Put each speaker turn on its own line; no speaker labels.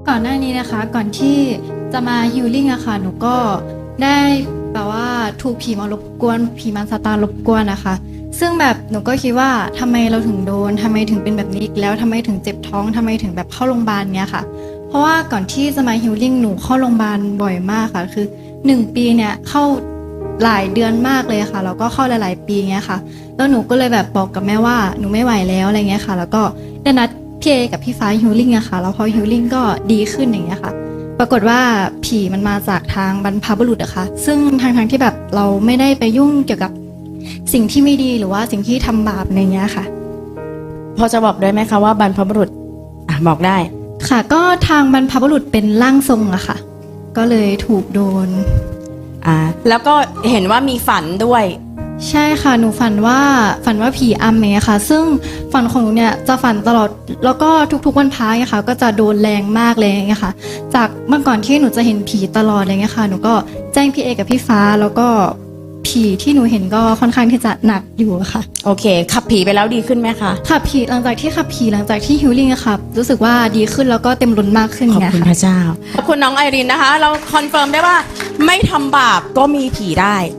ก่อนหน้านี้นะคะก่อนที่จะมาฮิลลิ่งอะค่ะหนูก็ได้แบบว่าถูกผีมารบกวนผีมารซาตานรบกวนนะคะซึ่งแบบหนูก็คิดว่าทำไมเราถึงโดนทำไมถึงเป็นแบบนี้อีกแล้วทำไมถึงเจ็บท้องทำไมถึงแบบเข้าโรงพยาบาลเนี้ยค่ะเพราะว่าก่อนที่จะมาฮิลลิ่งหนูเข้าโรงพยาบาลบ่อยมากค่ะคือ1 ปีเนี่ยเข้าหลายเดือนมากเลยค่ะแล้วก็เข้าหลายๆปีเงี้ยค่ะแล้วหนูก็เลยแบบบอกกับแม่ว่าหนูไม่ไหวแล้วอะไรเงี้ยค่ะแล้วก็ได้นัดพี่เอกับพี่ฟ้าฮิลลิ่งอะค่ะแล้วพอฮิลลิ่งก็ดีขึ้นอย่างเงี้ยค่ะปรากฏว่าผีมันมาจากทางบรรพบุรุษอะค่ะซึ่งทางที่แบบเราไม่ได้ไปยุ่งเกี่ยวกับสิ่งที่ไม่ดีหรือว่าสิ่งที่ทำบาปอะไรเงี้ยค่ะ
พอจะบอกได้ไหมคะว่าบรรพบุรุษบอกได้
ค่ะก็ทางบรรพบุรุษเป็นร่างทรงอะค่ะก็เลยถูกโดน
แล้วก็เห็นว่ามีฝันด้วย
ใช่ค่ะหนูฝันว่าผีอำเนี่ยค่ะซึ่งฝันของหนูเนี่ยจะฝันตลอดแล้วก็ทุกๆวันพระเนี่ยค่ะก็จะโดนแรงมากเลยอย่างเงี้ยค่ะจากเมื่อก่อนที่หนูจะเห็นผีตลอดอะไรเงี้ยค่ะหนูก็แจ้งพี่เอกับพี่ฟ้าแล้วก็ผีที่หนูเห็นก็ค่อนข้างที่จะหนักอยู่ค่ะ
โอเคขับผีไปแล้วดีขึ้นไหมคะ
ขับผีหลังจากที่ฮิลลิ่งอะค่ะรู้สึกว่าดีขึ้นแล้วก็เต็มล้นมากขึ้น
ขอบคุณพระเจ้าขอบคุณน้องไอรินนะคะเราคอนเฟิร์มได้ว่าไม่ทำบาปก็มีผีได้